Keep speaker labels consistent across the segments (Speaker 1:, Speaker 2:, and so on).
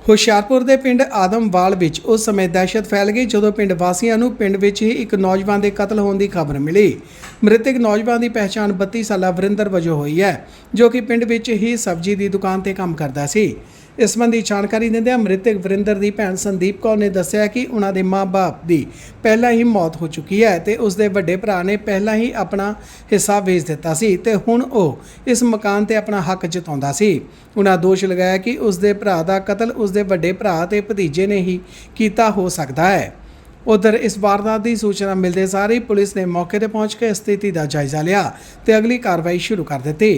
Speaker 1: ਹੁਸ਼ਿਆਰਪੁਰ ਦੇ ਪਿੰਡ ਆਦਮਵਾਲ ਵਿੱਚ ਉਸ ਸਮੇਂ ਦਹਿਸ਼ਤ ਫੈਲ ਗਈ ਜਦੋਂ ਪਿੰਡ ਵਾਸੀਆਂ ਨੂੰ ਪਿੰਡ ਵਿੱਚ ਹੀ ਇੱਕ ਨੌਜਵਾਨ ਦੇ ਕਤਲ ਹੋਣ ਦੀ ਖਬਰ ਮਿਲੀ। ਮ੍ਰਿਤਕ ਨੌਜਵਾਨ ਦੀ ਪਹਿਚਾਣ 32 ਸਾਲਾ ਵਰਿੰਦਰ ਵਜੋਂ ਹੋਈ ਹੈ, ਜੋ ਕਿ ਪਿੰਡ ਵਿੱਚ ਹੀ ਸਬਜ਼ੀ ਦੀ ਦੁਕਾਨ ਤੇ ਕੰਮ ਕਰਦਾ ਸੀ। ਇਸ ਸੰਬੰਧੀ ਜਾਣਕਾਰੀ ਦਿੰਦਿਆਂ ਮ੍ਰਿਤਕ ਵਰਿੰਦਰ ਦੀ ਭੈਣ ਸੰਦੀਪ ਕੌਰ ਨੇ ਦੱਸਿਆ ਕਿ ਉਹਨਾਂ ਦੇ ਮਾਂ-ਬਾਪ ਦੀ ਪਹਿਲਾਂ ਹੀ ਮੌਤ ਹੋ ਚੁੱਕੀ ਹੈ ਤੇ ਉਸ ਦੇ ਵੱਡੇ ਭਰਾ ਨੇ ਪਹਿਲਾਂ ਹੀ ਆਪਣਾ ਹਿੱਸਾ ਵੇਚ ਦਿੱਤਾ ਸੀ ਤੇ ਹੁਣ ਉਹ ਇਸ ਮਕਾਨ ਤੇ ਆਪਣਾ ਹੱਕ ਜਤਾਉਂਦਾ ਸੀ। ਉਹਨਾਂ ਦੋਸ਼ ਲਗਾਇਆ ਕਿ ਉਸ ਦੇ ਭਰਾ ਦਾ ਕਤਲ ਉਸ ਦੇ ਵੱਡੇ ਭਰਾ ਤੇ ਭਤੀਜੇ ਨੇ ਹੀ ਕੀਤਾ ਹੋ ਸਕਦਾ ਹੈ। उधर इस वारदात की सूचना मिलते सार ही पुलिस ने मौके पर पहुंच के स्थिति का जायजा लिया तो अगली कार्रवाई शुरू कर दी।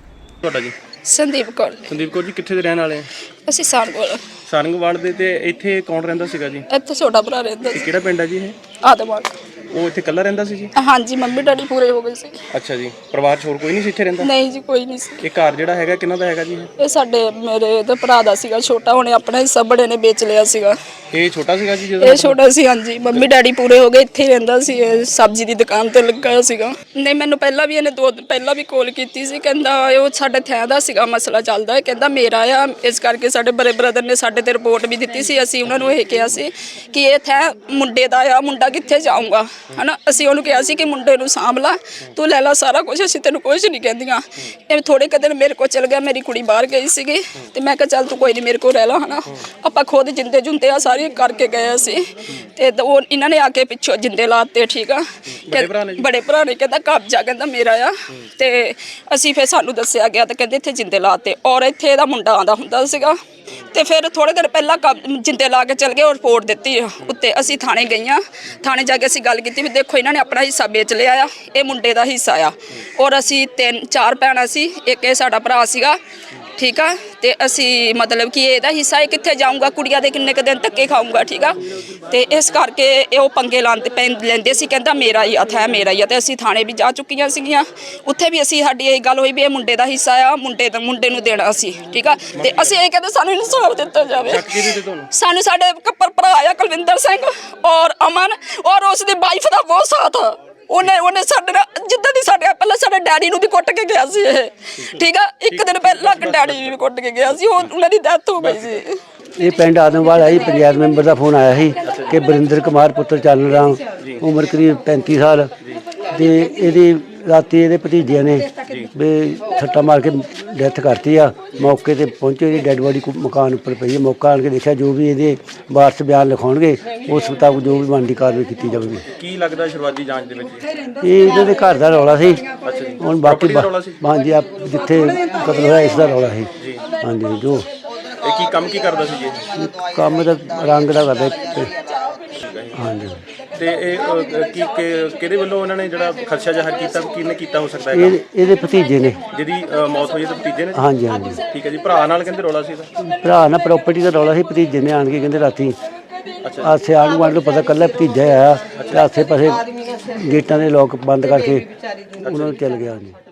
Speaker 2: संदीप कौर
Speaker 3: जी कित्थे दे रहने वाले
Speaker 2: ਅਸੀਂ
Speaker 3: सारंगवाड़ ਦੇ ਤੇ ਇੱਥੇ ਕੌਣ ਰਹਿੰਦਾ ਸੀਗਾ ਜੀ?
Speaker 2: ਇੱਥੇ ਛੋਟਾ ਭਰਾ ਰਹਿੰਦਾ ਸੀ।
Speaker 3: ਕਿਹੜਾ ਪਿੰਡ ਹੈ ਜੀ ਇਹ?
Speaker 2: ਆਦਮਵਾਲ।
Speaker 3: ਉਹ ਇੱਥੇ ਇਕੱਲਾ ਰਹਿੰਦਾ ਸੀ ਜੀ?
Speaker 2: ਹਾਂਜੀ, ਮੰਮੀ ਡੈਡੀ ਪੂਰੇ ਹੋ ਗਏ ਸੀ।
Speaker 3: ਅੱਛਾ ਜੀ, ਪਰਿਵਾਰ 'ਚ ਹੋਰ ਕੋਈ ਨਹੀਂ ਸੀ ਇੱਥੇ ਰਹਿੰਦਾ?
Speaker 2: ਨਹੀਂ ਜੀ, ਕੋਈ ਨਹੀਂ ਸੀ।
Speaker 3: ਇਹ ਘਰ ਜਿਹੜਾ ਹੈਗਾ ਕਿਹਨਾਂ ਦਾ ਹੈਗਾ ਜੀ?
Speaker 2: ਇਹ ਸਾਡੇ ਮੇਰੇ ਤੇ ਭਰਾ ਦਾ ਸੀਗਾ ਛੋਟਾ, ਉਹਨੇ ਆਪਣਾ ਹਿੱਸਾ ਬੜੇ ਨੇ ਵੇਚ ਲਿਆ ਸੀਗਾ।
Speaker 3: ਇਹ ਛੋਟਾ ਸੀਗਾ ਜੀ ਜਦੋਂ?
Speaker 2: ਇਹ ਛੋਟਾ ਸੀ, ਹਾਂਜੀ। ਮੰਮੀ ਡੈਡੀ ਪੂਰੇ ਹੋ ਗਏ, ਇੱਥੇ ਹੀ ਰਹਿੰਦਾ ਸੀ, ਸਬਜ਼ੀ ਦੀ ਦੁਕਾਨ ਤੇ ਲੱਗਾ ਹੋਇਆ ਸੀਗਾ। ਨਹੀਂ, ਮੈਨੂੰ ਪਹਿਲਾਂ ਵੀ ਇਹਨੇ 2 ਦਿਨ ਪਹਿਲਾਂ ਵੀ ਕਾਲ ਕੀਤੀ ਸੀ, ਕਹਿੰਦਾ ਉਹ ਸਾਡੇ ਥੈਂ ਦਾ ਸੀਗਾ ਮਸਲਾ ਚੱਲਦਾ ਹੈ, ਕਹਿੰਦਾ ਮੇਰਾ ਆ, ਇਸ ਕਰਕੇ ਸਾਡੇ ਬੜੇ ਬ੍ਰਦਰ ਨੇ ਸਾਡੇ ਤੇ ਰਿਪੋਰਟ ਵੀ ਦਿੱਤੀ ਸੀ। ਅਸੀਂ ਉਹਨਾਂ ਨੂੰ ਇਹ ਕਿਹਾ ਸੀ ਕਿ ਇਹ ਥੈਂ ਮੁੰਡੇ ਦਾ ਆ, ਮੁੰਡਾ ਕਿੱਥੇ ਜਾਊਗਾ, ਹਨਾ। ਅਸੀਂ ਉਹਨੂੰ ਕਿਹਾ ਸੀ ਕਿ ਮੁੰਡੇ ਨੂੰ ਸਾਂਭ ਲਾ, ਤੂੰ ਲੈ ਲਾ ਸਾਰਾ ਕੁਝ, ਅਸੀਂ ਤੈਨੂੰ ਕੁਝ ਨਹੀਂ ਕਹਿੰਦੀਆਂ। ਇਹ ਥੋੜੇ ਕੁ ਦਿਨ ਮੇਰੇ ਕੋਲ ਚਲ ਗਿਆ, ਮੇਰੀ ਕੁੜੀ ਬਾਹਰ ਗਈ ਸੀਗੀ ਤੇ ਮੈਂ ਕਿਹਾ ਚੱਲ ਤੂੰ ਕੋਈ ਨਹੀਂ ਮੇਰੇ ਕੋਲ ਰਹਿ ਲਾ, ਹਨਾ। ਆਪਾਂ ਖੁਦ ਜਿੰਦੇ ਜੁੰਦੇ ਆ ਸਾਰੇ ਕਰਕੇ ਗਏ ਸੀ ਤੇ ਉਹ ਇਹਨਾਂ ਨੇ ਆ ਕੇ ਪਿੱਛੋਂ ਜਿੰਦੇ ਲਾਤੇ। ਠੀਕ ਆ, ਬੜੇ ਭਰਾ ਨੇ ਕਹਿੰਦਾ ਕਬਜ਼ਾ, ਕਹਿੰਦਾ ਮੇਰਾ ਆ। ਤੇ ਅਸੀਂ ਫਿਰ ਸਾਨੂੰ ਦੱਸਿਆ ਗਿਆ ਤੇ ਕਹਿੰਦੇ ਇੱਥੇ ਜਿੰਦੇ ਲਾਤੇ ਔਰ ਇੱਥੇ ਇਹਦਾ ਮੁੰਡਾ ਆਉਂਦਾ ਹੁੰਦਾ ਸੀਗਾ। ਤੇ ਫਿਰ ਥੋੜੇ ਦਿਨ ਪਹਿਲਾਂ ਜਿੰਦੇ ਲਾ ਕੇ ਚਲ ਗਏ ਔਰ ਰਿਪੋਰਟ ਦਿੱਤੀ ਉੱਤੇ। ਅਸੀਂ ਥਾਣੇ ਗਈਆਂ, ਥਾਣੇ ਜਾ ਕੇ ਅਸੀਂ ਗੱਲ ਕੀਤੀ ਵੀ ਦੇਖੋ ਇਹਨਾਂ ਨੇ ਆਪਣਾ ਹਿੱਸਾ ਵੇਚ ਲਿਆ ਆ, ਇਹ ਮੁੰਡੇ ਦਾ ਹਿੱਸਾ ਆ। ਔਰ ਅਸੀਂ 3-4 ਭੈਣਾਂ ਸੀ, ਇੱਕ ਇਹ ਸਾਡਾ ਭਰਾ ਸੀਗਾ। ਠੀਕ ਆ, ਤੇ ਅਸੀਂ ਮਤਲਬ ਕਿ ਇਹਦਾ ਹਿੱਸਾ ਇਹ ਕਿੱਥੇ ਜਾਊਗਾ, ਕੁੜੀਆਂ ਦੇ ਕਿੰਨੇ ਕੁ ਦਿਨ ਧੱਕੇ ਖਾਊਗਾ। ਠੀਕ ਆ, ਤੇ ਇਸ ਕਰਕੇ ਇਹ ਉਹ ਪੰਗੇ ਲੈਂਦੇ ਸੀ, ਕਹਿੰਦਾ ਮੇਰਾ ਹੀ ਹੱਥ ਹੈ, ਮੇਰਾ ਹੀ ਆ। ਤੇ ਅਸੀਂ ਥਾਣੇ ਵੀ ਜਾ ਚੁੱਕੀਆਂ ਸੀਗੀਆਂ, ਉੱਥੇ ਵੀ ਅਸੀਂ ਸਾਡੀ ਇਹ ਗੱਲ ਹੋਈ ਵੀ ਇਹ ਮੁੰਡੇ ਦਾ ਹਿੱਸਾ ਆ, ਮੁੰਡੇ ਨੂੰ ਦੇਣਾ ਸੀ। ਠੀਕ ਆ, ਤੇ ਅਸੀਂ ਇਹ ਕਹਿੰਦੇ ਸਾਨੂੰ ਇਨਸਾਫ ਦਿੱਤਾ ਜਾਵੇ। ਸਾਨੂੰ ਸਾਡੇ ਕੱਪਰ ਭਰਾ ਆ ਕੁਲਵਿੰਦਰ ਸਿੰਘ ਔਰ ਅਮਨ ਔਰ ਉਸ ਦੀ ਵਾਈਫ ਦਾ ਬਹੁਤ ਸਾਥ ਆ। ਉਹਨੇ ਸਾਡੇ ਨਾਲ ਜਿੱਦਾਂ ਦੀ ਸਾਡੇ ਪਹਿਲਾਂ ਸਾਡੇ ਡੈਡੀ ਨੂੰ ਵੀ ਕੁੱਟ ਕੇ ਗਿਆ ਸੀ ਇਹ। ਠੀਕ ਆ, ਇੱਕ ਦਿਨ ਪਹਿਲਾਂ ਡੈਡੀ ਵੀ ਕੁੱਟ ਕੇ ਗਿਆ ਸੀ, ਉਹਨਾਂ ਦੀ ਡੈਥ ਹੋ ਗਈ ਸੀ।
Speaker 4: ਇਹ ਪਿੰਡ ਆਦਮਵਾਲ ਆਈ ਪੰਚਾਇਤ ਮੈਂਬਰ ਦਾ ਫੋਨ ਆਇਆ ਸੀ ਕਿ ਵਰਿੰਦਰ ਕੁਮਾਰ ਪੁੱਤਰ ਚੱਲ ਰਾਮ ਉਮਰ ਕਰੀਬ 35 ਸਾਲ ਤੇ ਇਹਦੀ ਰਾਤੀ ਇਹਦੇ ਭਤੀਜਿਆਂ ਨੇ ਵੀ ਸੱਟਾ ਮਾਰ ਕੇ ਡੈਥ ਕਰਤੀ ਆ। ਮੌਕੇ ਤੇ ਪਹੁੰਚੇ, ਇਹਦੀ ਡੈੱਡ ਬੋਡੀ ਮਕਾਨ ਉੱਪਰ ਪਈ ਹੈ। ਮੌਕਾ ਆਣ ਕੇ ਦੇਖਿਆ, ਜੋ ਵੀ ਇਹਦੇ ਵਾਰਸ ਬਿਆਨ ਲਿਖਾਉਣਗੇ ਉਸ ਮੁਤਾਬਕ ਜੋ ਵੀ ਬਣਦੀ ਕਾਰਵਾਈ ਕੀਤੀ ਜਾਵੇਗੀ।
Speaker 3: ਕੀ ਲੱਗਦਾ ਸ਼ੁਰੂਆਤੀ ਜਾਂਚ ਦੇ ਵਿੱਚ
Speaker 4: ਇਹ ਇਹਨਾਂ ਦੇ ਘਰ ਦਾ ਰੌਲਾ ਸੀ। ਹੁਣ ਬਾਕੀ ਹਾਂਜੀ ਜਿੱਥੇ ਕਤਲ ਹੋਇਆ ਇਸ ਦਾ ਰੌਲਾ ਸੀ। ਹਾਂਜੀ, ਜੋ
Speaker 3: ਇਹ ਕੀ ਕੰਮ ਕੀ ਕਰਦਾ ਸੀ ਜੀ?
Speaker 4: ਕੰਮ ਦਾ ਰੰਗ ਦਾ ਕਰਦਾ। ਹਾਂਜੀ,
Speaker 3: ਤੇ ਇਹ ਕਿਹਦੇ ਵੱਲੋਂ ਉਹਨਾਂ ਨੇ ਜਿਹੜਾ ਖਰਚਾ ਜ਼ਾਹਰ ਕੀਤਾ, ਕਿਹਨੇ ਕੀਤਾ ਹੋ ਸਕਦਾ ਹੈ?
Speaker 4: ਇਹਦੇ ਭਤੀਜੇ ਨੇ ਜਿਹਦੀ
Speaker 3: ਮੌਤ ਹੋਈ, ਤੇ ਭਤੀਜੇ ਨੇ?
Speaker 4: ਹਾਂਜੀ ਹਾਂਜੀ।
Speaker 3: ਠੀਕ ਹੈ ਜੀ। ਭਰਾ ਨਾਲ ਕਹਿੰਦੇ ਰੌਲਾ ਸੀ ਇਹਦਾ?
Speaker 4: ਭਰਾ ਨਾਲ ਪ੍ਰਾਪਰਟੀ ਦਾ ਰੌਲਾ ਸੀ। ਭਤੀਜੇ ਨੇ ਆਣ ਕੇ ਕਹਿੰਦੇ ਰਾਤੀ ਆਸੇ ਆਣ ਗੁਆਂਢ ਨੂੰ ਪਤਾ ਕੱਲਾ ਭਤੀਜਾ ਆਇਆ ਤੇ ਆਸੇ ਪਾਸੇ ਗੇਟਾਂ ਦੇ ਲੋਕ ਬੰਦ ਕਰਕੇ ਉਹਨਾਂ ਨੂੰ ਚੱਲ ਗਿਆ। ਜੀ।